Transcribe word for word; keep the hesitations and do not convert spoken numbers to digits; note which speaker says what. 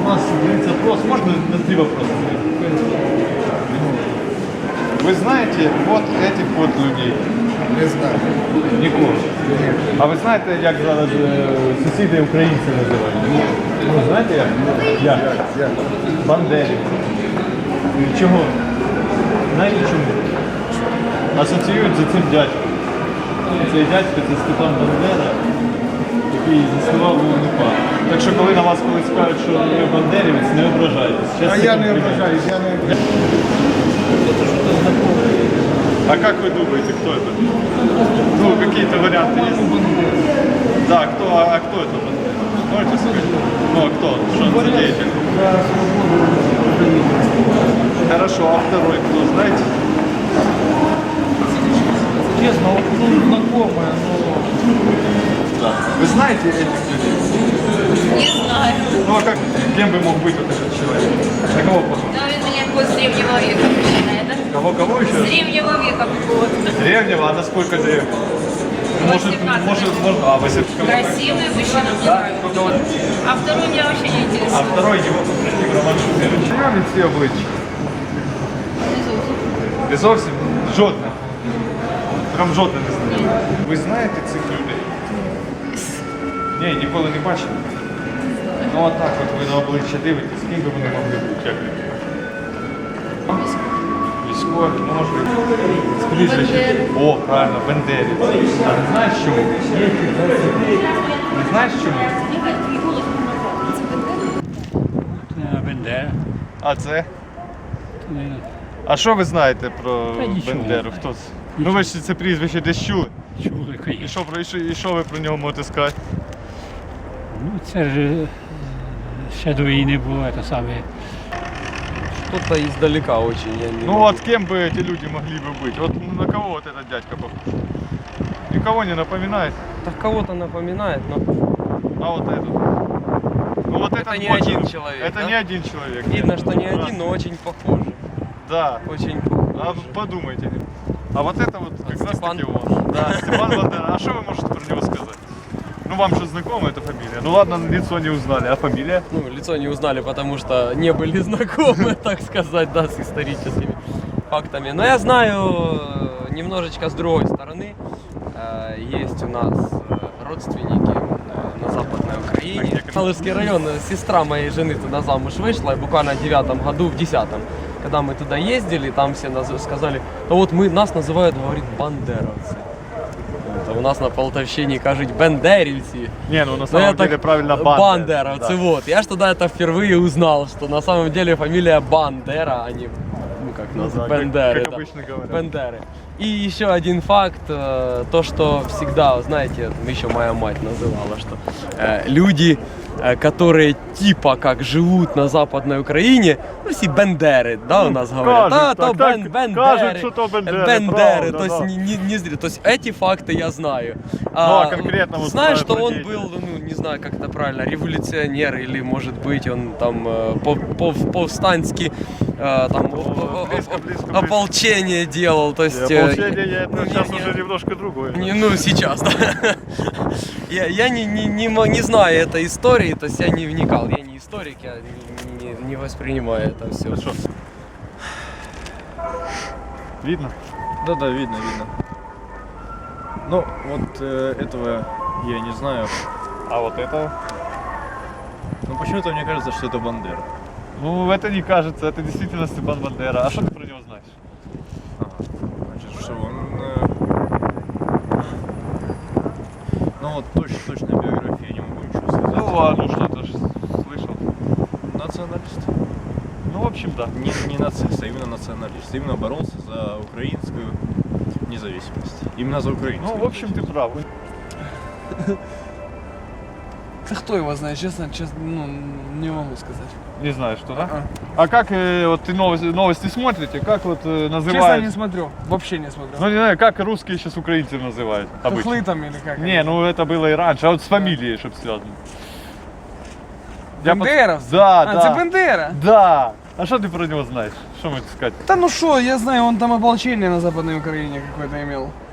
Speaker 1: у нас говорится вопрос, можно на три вопроса? Вы знаете вот этих вот людей?
Speaker 2: Не знаю.
Speaker 1: Нікого? А ви знаєте, як зараз е, сусіди українці називають? Ну, знаєте як? Як?
Speaker 2: Як?
Speaker 1: Бандерівці. І чого? Знаєте чому? Асоціюють за цим дядьком. Цей дядько це Степан Бандера, який заснував УНУПА. Так що коли на вас колись скажуть, що ви бандерівець, не ображайтесь. Щас
Speaker 2: А
Speaker 1: це
Speaker 2: я не
Speaker 1: комплімент.
Speaker 2: ображаюсь, я не ображаюсь.
Speaker 1: А как вы думаете, кто это? Ну, какие-то варианты есть? Да, кто, а кто это? Можете сказать? Ну, а кто? Что он за деятель? Хорошо, а второй кто, знаете?
Speaker 2: Честно, вот ну, знакомая, но...
Speaker 1: Да. Вы знаете этих людей?
Speaker 3: Не знаю.
Speaker 1: Ну, а как, кем бы мог быть вот этот человек? На кого похож?
Speaker 3: Но он меня какой с древнего века начинает, да?
Speaker 1: Кого, кого еще?
Speaker 3: С древнего века какого-то.
Speaker 1: Древнего? А насколько древнего? Может,
Speaker 3: восемнадцатого.
Speaker 1: может, может, а, восемнадцатого.
Speaker 3: Красивый мужчина, мне нравится. А второй меня вообще не
Speaker 1: А
Speaker 3: интересует.
Speaker 1: второй его попросил Роман Шухевич. Чому ці обличчя? Ви зовсім жодне. Прям жодне не знаю. Ви знаєте цих людей? Ні, ніколи не бачили. Ну отак от ви на обличчя дивитесь, ким би вони могли бути, як ви думаєте? Військові, може. З прізвищем. О, правильно, Бендерівці. А не знаєш чому? Не знаєш чому?
Speaker 4: Бендера.
Speaker 1: А це? А що ви знаєте про
Speaker 4: Та нічого.
Speaker 1: Бендеру? Хто це? Ну ви ж це прізвище десь чули.
Speaker 4: Чули,
Speaker 1: І
Speaker 4: звісно.
Speaker 1: що, про- і що, і що ви про нього можете сказати?
Speaker 4: Ну, це ж е, ще до війни було те саме.
Speaker 5: Кто-то издалека очень, я не
Speaker 1: Ну
Speaker 5: могу.
Speaker 1: вот кем бы эти люди могли бы быть? Вот на кого вот этот дядька похож? Никого не напоминает,
Speaker 5: Так кого-то напоминает, но
Speaker 1: а вот этот. Ну вот
Speaker 5: Это
Speaker 1: этот
Speaker 5: не
Speaker 1: больше-
Speaker 5: один человек,
Speaker 1: Это
Speaker 5: да?
Speaker 1: не один человек.
Speaker 5: видно,
Speaker 1: нет.
Speaker 5: что не
Speaker 1: Да.
Speaker 5: один, но очень похожи.
Speaker 1: Да.
Speaker 5: Очень
Speaker 1: А
Speaker 5: похожи.
Speaker 1: подумайте. А вот это вот как раз
Speaker 5: Степан.
Speaker 1: таки он. Да, Степан Бандера. А что вы можете про него сказать? Ну вам что, знакома эта фамилия? Ну ладно, лицо не узнали, а фамилия?
Speaker 5: Ну, лицо не узнали, потому что не были знакомы, так сказать, да, с историческими фактами. Но я знаю э, немножечко с другой стороны. Э, Есть у нас э, родственники э, на Западной Украине. Малышский район, э, сестра моей жены туда замуж вышла, и буквально в девятом году, в десятом, когда мы туда ездили, там все наз- сказали, да вот мы, нас называют, говорит, бандеровцы. Вот, а у нас на Полтавщине кажуть бендерівці.
Speaker 1: Не, ну на
Speaker 5: Но
Speaker 1: самом
Speaker 5: я
Speaker 1: деле
Speaker 5: так-
Speaker 1: правильно Бандера.
Speaker 5: Бандеровцы,
Speaker 1: Да.
Speaker 5: вот. Я ж тогда это впервые узнал, что на самом деле фамилия Бандера, а не, ну как
Speaker 1: Ну
Speaker 5: нас,
Speaker 1: да, как-
Speaker 5: Бендеры.
Speaker 1: как
Speaker 5: да.
Speaker 1: обычно говорят.
Speaker 5: Бендеры. И еще один факт, э, то, что всегда, знаете, еще моя мать называла, что э, люди, э, которые типа как живут на Западной Украине, ну все бендеры, да, у нас говорят,
Speaker 1: кажут
Speaker 5: да, то
Speaker 1: так,
Speaker 5: бен,
Speaker 1: так,
Speaker 5: бендеры,
Speaker 1: кажут, что то бендеры,
Speaker 5: бендеры,
Speaker 1: правда,
Speaker 5: то есть
Speaker 1: да.
Speaker 5: не, не, не зря, то есть эти факты я знаю.
Speaker 1: а конкретно вот
Speaker 5: знаешь,
Speaker 1: про-
Speaker 5: что
Speaker 1: про
Speaker 5: он
Speaker 1: деятеля?
Speaker 5: был, ну не знаю, как это правильно, революционер или может быть он там э, пов- пов- повстанский э, там о- о- о-
Speaker 1: близко, близко, близко.
Speaker 5: ополчение делал, то есть. э,
Speaker 1: Ополчение, я- это
Speaker 5: ну,
Speaker 1: сейчас
Speaker 5: не-
Speaker 1: уже
Speaker 5: не-
Speaker 1: немножко другое.
Speaker 5: не, ну, сейчас, да. Я, я не, не, не, мо- не знаю этой истории, то есть я не вникал, я не историк, я не, не, не воспринимаю это все.
Speaker 1: Хорошо. Видно?
Speaker 6: Да, да, видно, видно. Ну, вот э, этого я не знаю.
Speaker 1: А вот это?
Speaker 6: Но почему-то мне кажется, что это Бандера.
Speaker 1: Ну, это не кажется, это действительно Степан Бандера. А что ты про него знаешь?
Speaker 6: Ага. Значит, что он... э, Ну вот точно, точно биографии я не могу ничего сказать.
Speaker 1: Ну, а ну что-то ж слышал.
Speaker 6: Националист.
Speaker 1: Ну, в общем, да.
Speaker 6: Не, не нацист, а именно националист. Именно боролся за украинскую независимость. Именно за украинскую.
Speaker 1: Ну, в общем, ты прав.
Speaker 2: Да кто его знает, честно, честно, ну, не могу сказать.
Speaker 1: Не знаю, что, да?
Speaker 2: А.
Speaker 1: А как э, вот ты новости, новости смотрите? Как вот э,
Speaker 2: Честно,
Speaker 1: называют?
Speaker 2: не смотрю, вообще не смотрю.
Speaker 1: Ну, не знаю, как русские сейчас украинцев называют обычно?
Speaker 2: Хохлы там или как?
Speaker 1: Не, ну это было и раньше, а вот с фамилией, чтобы связано. Я под-
Speaker 2: Бендеровцы?
Speaker 1: Да,
Speaker 2: А,
Speaker 1: да.
Speaker 2: це Бендера?
Speaker 1: Да. А что ты про него знаешь? Что можешь сказать?
Speaker 2: Да ну что, я знаю, он там ополчение на Западной Украине какое-то имел.